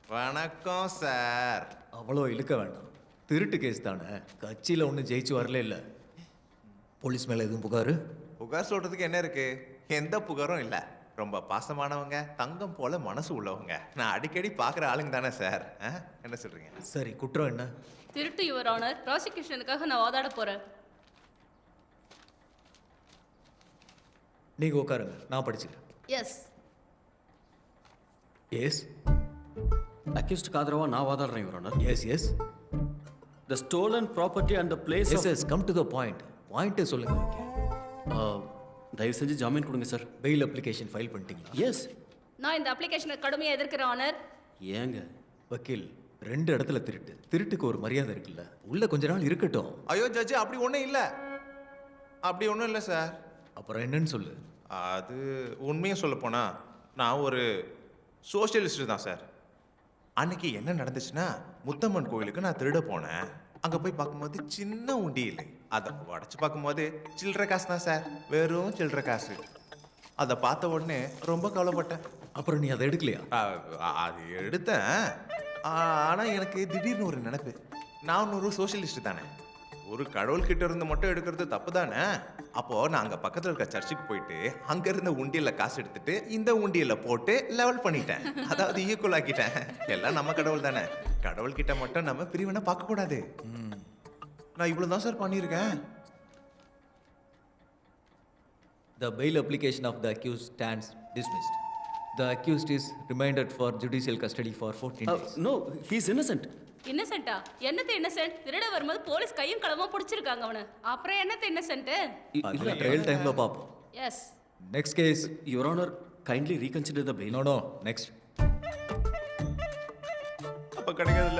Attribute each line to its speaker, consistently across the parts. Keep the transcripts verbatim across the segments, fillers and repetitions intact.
Speaker 1: வணக்கம் சார்.
Speaker 2: அவ்வளோ இழுக்க வேண்டாம். திருட்டு கேஸ் தானே, கட்சியில் ஒன்றும் ஜெயிச்சு வரல இல்லை. போலீஸ் மேலே எதுவும் புகார்?
Speaker 1: புகார் சொல்றதுக்கு என்ன இருக்கு? எந்த புகாரும் இல்லை. ரொம்ப பாசமானவங்க, தங்கம் போல மனசு உள்ளவங்க. நான் அடிக்கடி பார்க்குற ஆளுங்க தானே சார். ஆ? என்ன சொல்றீங்க?
Speaker 2: சரி, குற்றம் என்ன?
Speaker 3: திருட்டு யுவர் ஆனர், ப்ராசிக்யூஷனுக்காக நான் வாதாட போறேன்.
Speaker 2: நீங்கள் உட்காருங்க, நான் படிச்சுக்கிறேன்.
Speaker 3: எஸ்.
Speaker 2: எஸ்
Speaker 4: அக்யூஸ்டுக்கு ஆதரவா நான் வாதாடுறேன் your honour.
Speaker 2: Yes yes
Speaker 4: the stolen property and the place
Speaker 2: yes yes come to the point. பாயிண்ட்டை சொல்லுங்க.
Speaker 4: தயவு செஞ்சு ஜாமீன் கொடுங்க சார்.
Speaker 2: பெயில் அப்ளிகேஷன் ஃபைல் பண்ணிட்டீங்களா?
Speaker 4: எஸ்.
Speaker 3: நான் இந்த அப்ளிகேஷனை கடுமையாக எதிர்க்கிறேன் ஆனர்.
Speaker 4: ஏங்க
Speaker 2: வக்கீல், ரெண்டு இடத்துல திருட்டு. திருட்டுக்கு ஒரு மரியாதை இருக்குல்ல, உள்ள கொஞ்ச நாள் இருக்கட்டும்.
Speaker 1: ஐயோ ஜட்ஜி, அப்படி ஒன்றும் இல்லை. அப்படி ஒன்றும் இல்லை சார்.
Speaker 2: அப்புறம் என்னன்னு சொல்லு.
Speaker 1: அது உண்மையை சொல்ல போனா நான் ஒரு சோஷியலிஸ்ட் தான் சார். அன்னைக்கு என்ன நடந்துச்சுன்னா, முத்தம்மன் கோயிலுக்கு நான் திருட போனேன். அங்கே போய் பார்க்கும்போது சின்ன உண்டி இல்லை. அதை உடச்சி பார்க்கும்போது சில்லற காசு தான் சார், வெறும் சில்லற காசு. அதை பார்த்த உடனே ரொம்ப கவலைப்பட்டேன்.
Speaker 2: அப்புறம் நீ அதை எடுக்கலையா?
Speaker 1: அ- அது எடுத்தேன். ஆனால் எனக்கு திடீர்னு ஒரு நினைப்பு, நான் ஒரு சோஷியலிஸ்ட் தானே, ஒரு கடவுள்கிட்ட இருந்து மட்டும் எடுக்கிறது தப்பு தானே. அப்போ நான் அங்கே பக்கத்தில் இருக்க சர்ச்சுக்கு போயிட்டு அங்க இருந்த உண்டியல்ல காசு எடுத்துட்டு இந்த உண்டியல்ல போட்டு லெவல் பண்ணிட்டேன். அதாவது ஈக்குவல் ஆக்கிட்டேன். எல்லாம் நம்ம கடவுள் தானே, கடவுள் கிட்ட மட்டும் நம்ம பிரிவினை பார்க்க கூடாது. நான் இவ்வளவுதான் சார் பண்ணியிருக்கேன்.
Speaker 2: The bail application of the accused stands dismissed. The accused is remanded for judicial custody for fourteen days.
Speaker 4: No, he is innocent.
Speaker 3: இன்னசென்ட்டா? என்னது இன்னசென்ட்? திருட வரும்போது போலீஸ் கையும் களமா பிடிச்சிருக்காங்க அவனை. அப்புறம் என்னது இன்னசென்ட்?
Speaker 2: அது ட்ரையல் டைம்ல பாப்போம்.
Speaker 3: Yes.
Speaker 2: Next case.
Speaker 4: Your honour, kindly reconsider the bail.
Speaker 2: No no next.
Speaker 1: அப்ப கிடைக்காதுல்ல.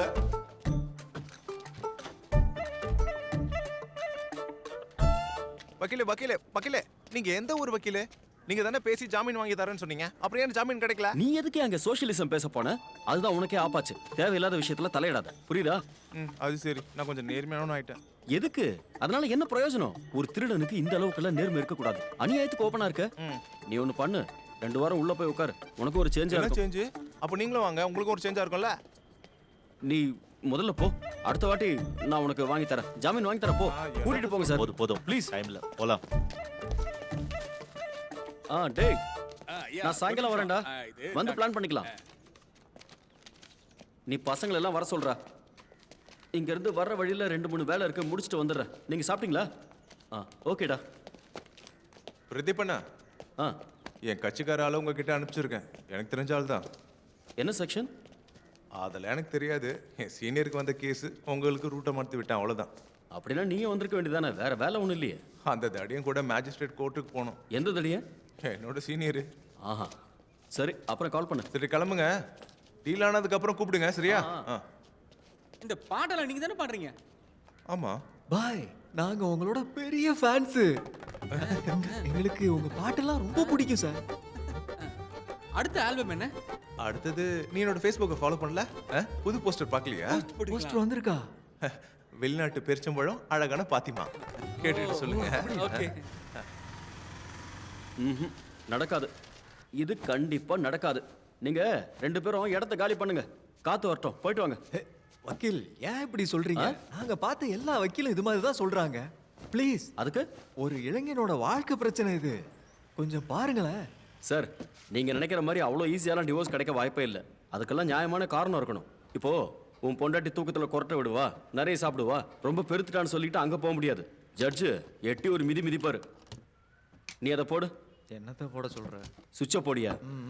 Speaker 1: வக்கீலே வக்கீலே வக்கீலே, நீங்க எந்த ஊர் வக்கீலே? நீங்க தானே பேசி ஜாமீன் வாங்கி தரேன்னு சொன்னீங்க. அப்புறம் ஏன் ஜாமீன் கிடைக்கல?
Speaker 4: நீ எதுக்கு அங்க சோஷியலிசம் பேச போன? அதுதான் உனக்கே ஆப்பாச்சு. தேவையில்லாத விஷயத்துல தலையிடாத, புரியுதா?
Speaker 1: ம், அது சரி. நான் கொஞ்சம் நேர்மையானவன் ஆயிட்டேன்.
Speaker 4: எதுக்கு? அதனால என்ன பிரயோஜனம்? ஒரு திருடனுக்கு இந்த அளவுக்குலாம் நேர்மை இருக்க கூடாது. அநியாயத்துக்கு ஓப்பனா இருக்க. நீ ஒண்ணு பண்ணு, ரெண்டு வாரம் உள்ள போய் உட்காரு, உனக்கு ஒரு சேஞ்ச்
Speaker 1: என்ன
Speaker 4: ஆகும்.
Speaker 1: சேஞ்ச்? அப்ப நீங்களும் வாங்க, உங்களுக்கு ஒரு சேஞ்சா இருக்கும்ல.
Speaker 4: நீ முதல்ல போ, அடுத்த வாட்டி நான் உனக்கு வாங்கி தரேன், ஜாமீன் வாங்கி தரேன். போ, கூட்டிட்டு போங்க சார்.
Speaker 5: போதும் போதும் ப்ளீஸ், டைம்ல போலாம்.
Speaker 4: ஆ டேய், நான் சாயங்காலம் வரேன்டா, வந்து பிளான் பண்ணிக்கலாம். நீ பசங்களை எல்லாம் வர சொல்றா. இங்க இருந்து வர்ற வழியில ரெண்டு மூணு வேலை இருக்கு, முடிச்சுட்டு வந்துடுறேன். நீங்க சாப்பிட்டீங்களா? ஆ ஓகேடா.
Speaker 1: பிரதீபண்ணா,
Speaker 4: ஆ
Speaker 1: என் கட்சிக்கார ஆளு உங்ககிட்ட அனுப்பிச்சிருக்கேன். எனக்கு தெரிஞ்ச ஆள் தான்.
Speaker 4: என்ன செக்ஷன்?
Speaker 1: அதெல்லாம் எனக்கு தெரியாது. என் சீனியருக்கு வந்த கேஸ் உங்களுக்கு ரூட்டை மாற்றி விட்டேன், அவ்வளோதான்.
Speaker 4: அப்படின்னா நீயும் வந்திருக்க வேண்டியதானே, வேற வேலை ஒன்றும் இல்லையே.
Speaker 1: அந்த தடியும் கூட மேஜிஸ்ட்ரேட் கோர்ட்டுக்கு போகணும்.
Speaker 4: எந்த தடிய?
Speaker 1: என்னோட சீனியரு.
Speaker 4: ஆஹா சரி, அப்புறம் கால் பண்ணு.
Speaker 1: சரி கிளம்புங்க, டீல் ஆனதுக்கு அப்புறம் கூப்பிடுங்க, சரியா? ஆ
Speaker 6: இந்த பாட்டெல்லாம் நீங்க தானே பாடுறீங்க?
Speaker 1: ஆமாம்.
Speaker 2: பாய், நாங்க உங்களோட பெரிய ஃபேன்ஸ். எங்களுக்கு உங்க பாட்டெல்லாம் ரொம்ப பிடிக்கும் சார்.
Speaker 6: அடுத்த ஆல்பம் என்ன?
Speaker 1: அடுத்தது நீ என்னோட ஃபேஸ்புக்கை ஃபாலோ பண்ணல? ஆ? புது போஸ்டர் பார்க்கலையா?
Speaker 2: போஸ்டர் வந்திருக்கா?
Speaker 1: வெளிநாட்டு பெருச்சம்பழம், அழகான பாத்திமா. கேட்டுட்டு சொல்லுங்க.
Speaker 6: ஓகே.
Speaker 4: ம்ஹும். நடக்காது, இது கண்டிப்பா நடக்காது. நீங்க ரெண்டு பேரும் இடத்த காலி பண்ணுங்க, காத்து வரட்டும், போயிட்டு வாங்க.
Speaker 2: ஹே, வக்கீல் ஏன் இப்படி சொல்றீங்க? நாங்க பார்த்த எல்லா வக்கீலும் இது மாதிரி தான் சொல்றாங்க. ப்ளீஸ்,
Speaker 4: அதுக்கு
Speaker 2: ஒரு இளைஞனோட வாழ்க்கை பிரச்சனை இது, கொஞ்சம் பாருங்களேன்.
Speaker 4: சார், நீங்க நினைக்கிற மாதிரி அவ்வளோ ஈஸியாலாம் டிவோர்ஸ் கிடைக்க வாய்ப்பே இல்லை. அதுக்கெல்லாம் நியாயமான காரணம் இருக்கணும். இப்போ உன் பொண்டாட்டி தூக்கத்தில் கொரட்டை விடுவா, நிறைய சாப்பிடுவா, ரொம்ப பெருத்துட்டான்னு சொல்லிட்டு அங்கே போக முடியாது. ஜட்ஜு எட்டி ஒரு மிதி மிதிப்பாரு. நீ அதை போடு.
Speaker 2: என்னத்தை போட சொல்ற?
Speaker 4: சுவிட்சை போடியா.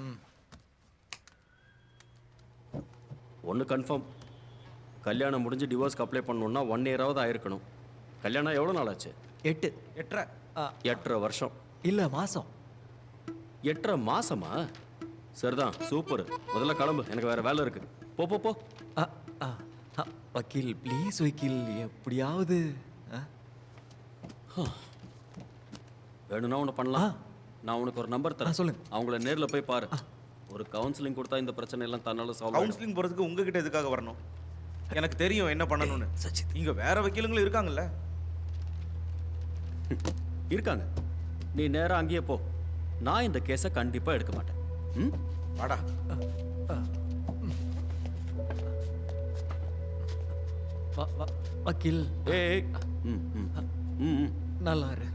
Speaker 4: ஒன்று கன்ஃபார்ம், கல்யாணம் முடிஞ்சு டிவோர்ஸ்க்கு அப்ளை பண்ணணும்னா ஒன் இயராவது ஆயிருக்கணும். கல்யாணம் எவ்வளோ நாள் ஆச்சு?
Speaker 2: எட்டு
Speaker 6: எட்டரை.
Speaker 4: எட்டரை வருஷம்
Speaker 2: இல்ல மாசம்.
Speaker 4: எட்டரை மாசமா? சரிதான், சூப்பர். முதல்ல கிளம்பு, எனக்கு வேற வேலை இருக்கு. போ போ போ.
Speaker 2: அ, அ, அ, வக்கீல் ப்ளீஸ் வக்கீல், எப்படியாவது. அ?
Speaker 4: வேணும்னா ஒன்று பண்ணலாம். நான் உனக்கு ஒரு நம்பர்
Speaker 2: ஆ,
Speaker 4: தரேன்,
Speaker 2: சொல்லுங்க.
Speaker 4: அவங்கள நேரில் போய் பாரு. ஒரு கவுன்சிலிங் கொடுத்தா இந்த பிரச்சனை எல்லாம் தன்னால சால்வ் ஆகும்.
Speaker 5: கவுன்சிலிங் போறதுக்கு உங்ககிட்ட எதுக்காக வரணும்? எனக்கு தெரியும் என்ன பண்ணணும்னு.
Speaker 2: சச்சித்,
Speaker 5: இங்க வேற வக்கீலுங்களும் இருக்காங்கல்ல.
Speaker 4: இருக்காங்க, நீ நேரா அங்கேயே போ. நான் இந்த கேஸை கண்டிப்பா எடுக்க மாட்டேன். ம்
Speaker 5: வாடா.
Speaker 2: வ- வ- வக்கீல்
Speaker 4: ஏய் ம் ம் ம் ம்
Speaker 2: நல்லா இரு